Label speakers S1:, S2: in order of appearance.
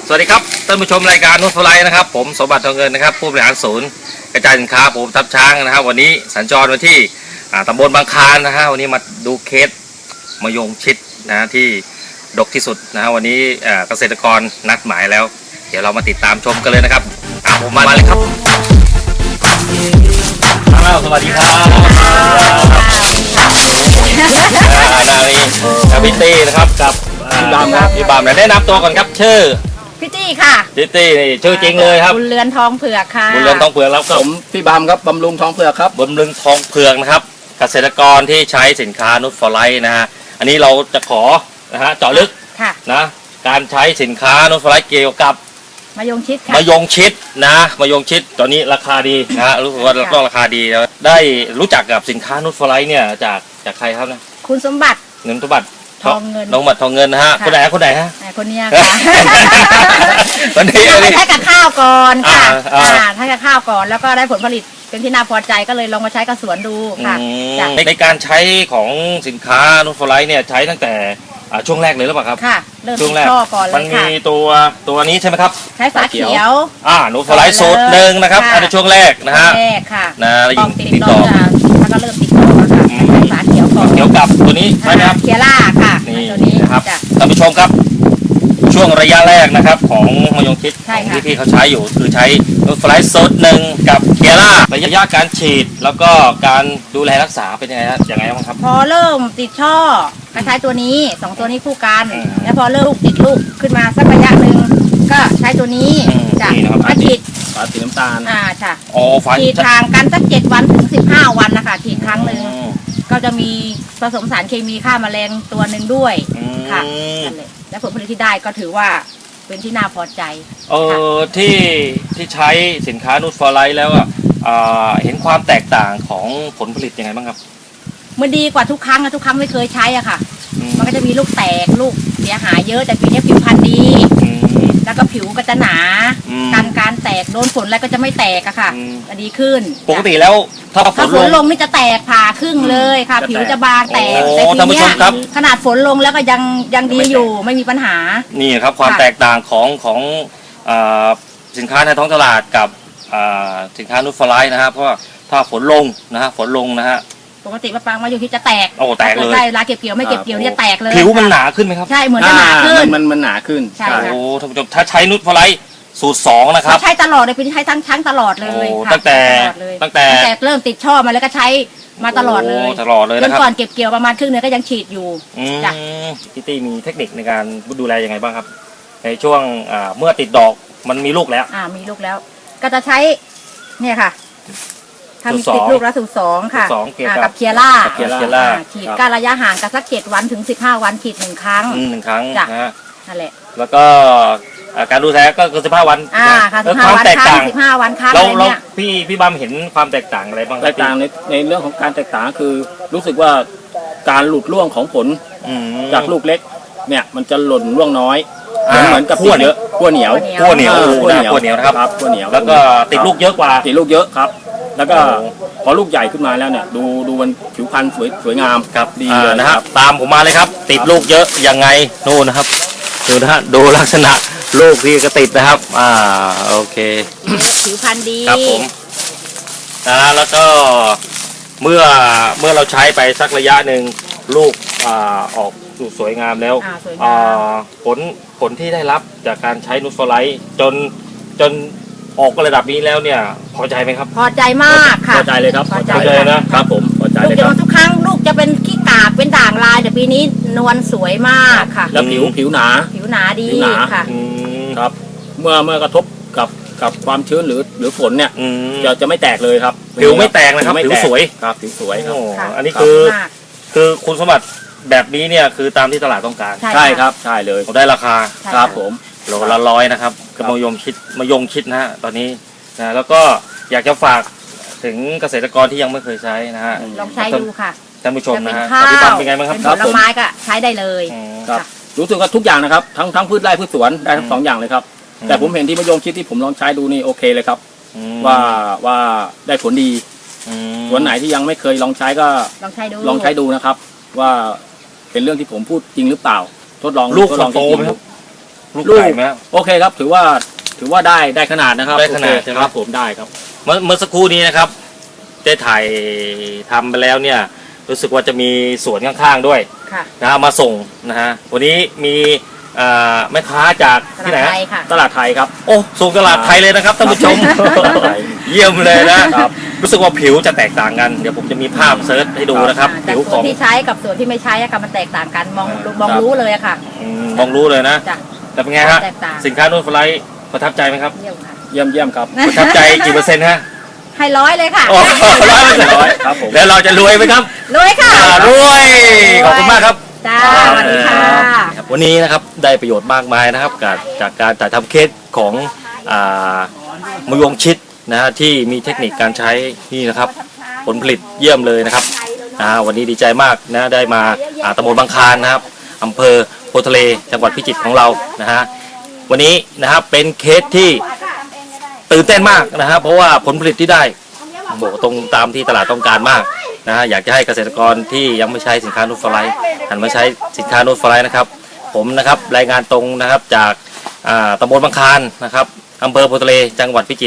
S1: สวัสดีครับท่านผู้ชมรายการนุชฟลายนะครับผมสมบัติทองเงินนะครับผู้บริหารศูนย์กระจายสินค้าผมทับช้างนะครับวันนี้สัญจรมาที่ตำบลบางคลานนะฮะวันนี้มาดูเคสมะยงชิดนะที่ดกที่สุดนะฮะวันนี้เกษตรกรนัดหมายแล้วเดี๋ยวเรามาติดตามชมกันเลยนะครับผมมาเลยครับสวัสดีครับนาลีกับพี่ตี้นะครับกับพี่บามครับพี่บามแนะนำตัวก่อนครับชื่อ
S2: พี่ตี้ค่ะ
S1: พี่ตี้นี่ชื่อจริงเลยครับ
S2: บุญเรือนทองเผือกค่ะ
S1: บุญเรือนทองเผือกแล้วก็
S3: ผมพี่บามครับบำรุงทองเผือกครับ
S1: บำรุงทองเผือกนะครับเกษตรกรที่ใช้สินค้านุชฟอร์ไลท์นะฮะอันนี้เราจะขอนะฮะเจาะลึกนะการใช้สินค้านุชฟอร์ไลท์เกี่ยวกับ
S2: มะยงชิดค่ะ
S1: มะยงชิดนะมะยงชิดตอนนี้ราคาดีนะฮะรู้สึกว่าต้องราคาดีแล้วได้รู้จักกับสินค้านุชฟอร์ไลท์เนี่ยจากใครครับนะ
S2: คุณสมบัติ
S1: เงินสมบัติ
S2: ทองเงิน
S1: น้องบัตรทองเงินนะฮะคนไหนฮะ
S2: คนนี้ค่ะ
S1: ตอนนี้
S2: ใช้กับข้าวก่อนค่ะใช้กับข้าวก่อนแล้วก็ได้ผลผลิตเป็นที่น่าพอใจก็เลยลองมาใช้กับสวนดูค่ะ
S1: ในการใช้ของสินค้านุชฟอร์ไลท์เนี่ยใช้ตั้งแต่ช่วงแรกเลยหรือเปล่าครับ
S2: ค่ะเริ่มช่วงแรกก่อนเลยค่ะ
S1: มันมีตัวนี้ใช่ไหมครับ
S2: ใช้ฝาเขียว
S1: นุชฟอร์ไลท์สูตรหนึ่งนะครับอันในช่วงแรกนะฮะนะยิงติดต่อ
S2: แล้วก็เริ่มติดต่อค่ะใช้ฝาเขียวก่อน
S1: เขียวกับตัวนี้ใช่ไหมครับ
S2: เคียร่าค่ะ
S1: นี่นะครับท่านผู้ชมครับช่วงระยะแรกนะครับของมะยงชิดที่พี่เขาใช้อยู่คือใช้นุชฟอร์ไลท์สูตรหนึ่งกับเคียร่าระยะการฉีดแล้วก็การดูแลรักษาเป็นยังไงบ้างครับ
S2: พอเริ่มติดช่อก็ใช้ตัวนี้2ตัวนี้คู่กันแล้วพอเริ่มติดลูกขึ้นมาสักระยะหนึ่งก็ใช้ตัวนี้จ้ะมาฉีด
S3: ฝาสีน้ำตาล
S2: จ้ะฉีดทางกันสัก7 วันถึง15 วันนะคะฉีดครั้งหนึ่งก็จะมีผสมสารเคมีฆ่าแมลงตัวหนึ่งด้วยค่ะนั่นแหละและผลผลิตที่ได้ก็ถือว่าเป็นที่น่าพอใจ
S1: ที่ใช้สินค้านุชฟอร์ไลท์แล้วเห็นความแตกต่างของผลผลิตยังไงบ้างครับ
S2: มันดีกว่าทุกครั้งไม่เคยใช้อ่ะค่ะมันก็จะมีลูกแตกลูกเสียหายเยอะแต่ปีนี้ผิวพรรณดีแล้วก็ผิวก็จะหนาการแตกโดนฝนอะไรก็จะไม่แตกอะค่ะจะดีขึ้น
S1: ปกติแล้วถ้าฝน
S2: ลงนี่จะแตกผ่าครึ่งเลยค่ะผิวจะบางแตกแต่ทีนี้ขนาดฝนลงแล้วก็ยังดีอยู่ไม่มีปัญหา
S1: นี่ครับความแตกต่างของสินค้าในท้องตลาดกับสินค้านุชฟอร์ไลท์นะครับเพราะว่าถ้าฝนลงนะฮะ
S2: ปกติมะปรางมะยงชิดจะแตก
S1: แตกเลย
S2: ได้เวลาเก็บเกี่ยวไม่เก็บเกี่ยวเนี่ยแตกเลย
S1: ผิวมันหนาขึ้นไหมครับ
S2: ใช่เหมือนจะหนาขึ้น
S3: มันหนาขึ้น
S2: ใช่
S1: ท่านผู้ชมถ้าใช้นุชฟอร์ไลท์สูตร2นะครับ
S2: ใช้ตลอดเลยเป็นใช้ทั้งตลอดเลย
S1: ตั้งแต่
S2: เริ่มติดช่อมาแล้วก็ใช้มาตลอดเลย
S1: จน
S2: ก่อนเก็บเกี่ยวประมาณครึ่งเดือนก็ยังฉีดอยู่
S1: จ้ะพี่ตี้มีเทคนิคในการดูแลยังไงบ้างครับในช่วงเมื่อติดดอกมันมีลูกแล้ว
S2: มีลูกแล้วก็จะใช้เนี่ยค่ะทำติดลูกแล้วสูตร2ค่ะกับเคียร่าฉีดการระยะห่างกันสัก7 วันถึง15 วันฉีด1 ครั้ง
S1: จ้ะ
S2: นั่นแหละ
S1: แล้วก็การดูแลก็คือ15 วัน
S2: ค่ะ15 วันครั้ง15 วันครั้งอะไรเนี่ย
S1: พี่บัมเห็นความแตกต่างอะไรบ้าง
S3: แตกต่างในเรื่องของการแตกต่างคือรู้สึกว่าการหลุดร่วงของผลจากลูกเล็กเนี่ยมันจะหล่นร่วงน้อยเหมือนกับขั้วเยอะขั้วเหนียว
S1: นะครับขั้วเหนียวแล้วก็ติดลูกเยอะกว่า
S3: ติดลูกเยอะครับแล้วก็พอลูกใหญ่ขึ้นมาแล้วเนี่ยดูมันผิวพรรณสวยงาม
S1: ครับดีเลยนะครับตามผมมาเลยครับติดลูกเยอะยังไงนู่นนะครับดูนะฮะดูลักษณะลูกที่ก็ติดนะครับโอเค
S2: ผิวพรรณดี
S1: ครับผมแล้วก็เมื่อเราใช้ไปสักระยะหนึ่งลูกออกสวยงามแล้วผลที่ได้รับจากการใช้นุชฟอร์ไลท์จนออกระดับนี้แล้วเนี่ยพอใจไหมครับ
S2: พอใจมากค่ะ
S3: พอใจเลยครับ
S1: พอใจนะครับผม
S3: พอใจเลยครับ
S2: ทุกครั้งลูกจะเป็นขี้กากเป็นด่างลายแต่ปีนี้นวลสวยมากค่ะ
S3: แล้วผิวหนา
S2: ดีค่ะ
S3: ครับเมื่อกระทบกับความชื้นหรือฝนเนี่ยจะไม่แตกเลยครับ
S1: ผิวไม่แตกนะครับผิวสวย
S3: ครับผิวสวยครับ
S1: อันนี้คือคุณสมบัติแบบนี้เนี่ยคือตามที่ตลาดต้องการ
S3: ใช่ครับใช่เลย
S1: ได้ราคา
S3: ครับผม
S1: โลละ100นะครับกับมะยงชิดนะฮะตอนนี้นะแล้วก็อยากจะฝากถึงเกษตรกรที่ยังไม่เคยใช้นะฮะ
S2: ลองใช้ดูค่ะ
S1: ท่านผู้ชมนะฮะ
S2: พี่ปั๊มเป็นไงบ้างครับผลไม้ก็ใช้ได้เลย
S3: ครับรู้สึกว่าทุกอย่างนะครับทั้งพืชไร่พืชสวนได้ทั้ง2 อย่างเลยครับแต่ผมเห็นที่มะยงชิดที่ผมลองใช้ดูนี่โอเคเลยครับว่าได้ผลดีส่วนไหนที่ยังไม่เคยลองใช้ก็ลองใช้ดูนะครับว่าเป็นเรื่องที่ผมพูดจริงหรือเปล่าทดลอง
S1: ลูกโตไหมครับลูกใหญ่ไหมครับ
S3: โอเคครับถือว่าได้ขนาดนะครับ
S1: ได้ขนาด
S3: โอเค
S1: ใช่ไหม
S3: ครับผมได้ครับ
S1: เมื่อสักครู่นี้นะครับได้ถ่ายทำไปแล้วเนี่ยรู้สึกว่าจะมีสวนข้างๆด้วย
S2: ค่ะ
S1: นะฮะมาส่งนะฮะวันนี้มีแม่ค้าจากที่ไหน
S2: ตลาด
S1: ฮะ
S2: ไทยค่ะ
S3: ตลาดไทยครับ
S1: โอ้ส่งตลาดไทยเลยนะครับท่านผู้ชม
S3: ตลาดไทย
S1: เยี่ยมเลยนะครับ รู้สึกว่าผิวจะแตกต่างกันเดี๋ยวผมจะมีภาพเซิร์ชให้ดูนะครับ
S2: แต่
S1: ผิว
S2: ส่
S1: ข
S2: ว
S1: อน ง
S2: ที่ใช้กับส่วนที่ไม่ใช้อะค่ะมันแตกต่างกันมอง
S3: ครับ
S2: รู้เลยอะค่ะ
S1: มองรู้เลยนะ
S2: จ้ะ
S1: แต่เป็นไงฮะ
S2: แตกต่าง
S1: สินค้านูนฟลายประทับใจไหมครับ
S2: เยี่ยมค่ะ
S3: เยี่ยมครับ
S1: ประทับใจกี่เปอร์เซ็นต์ฮะ
S2: ให้100เลยค่ะ
S1: โอ้100%
S3: ครับผม
S1: แล้วเราจะรวยไหมครับ
S2: รวยค่ะ
S1: รวยขอบคุณมากครับ
S2: จ้าสวัสดีค่ะ
S1: วันนี้นะครับได้ประโยชน์มากมายนะครับจากการถ่ายทำเคสของมะยงชิดนะฮะที่มีเทคนิคการใช้นี่นะครับผลผลิตเยี่ยมเลยนะครับวันนี้ดีใจมากนะได้มาตำบลบางคลานนะครับอำเภอโพธิ์ทะเลจังหวัดพิจิตรของเรานะฮะวันนี้นะครับเป็นเคสที่ตื่นเต้นมากนะฮะเพราะว่าผลผลิตที่ได้บอกตรงตามที่ตลาดต้องการมากนะฮะอยากจะให้เกษตรกรที่ยังไม่ใช้สินค้านูตฟลายหันมาใช้สินค้านูตฟลายนะครับผมนะครับรายงานตรงนะครับจากตำบลบางคลานนะครับอำเภอโพธิ์ทะเลจังหวัดพิจิตร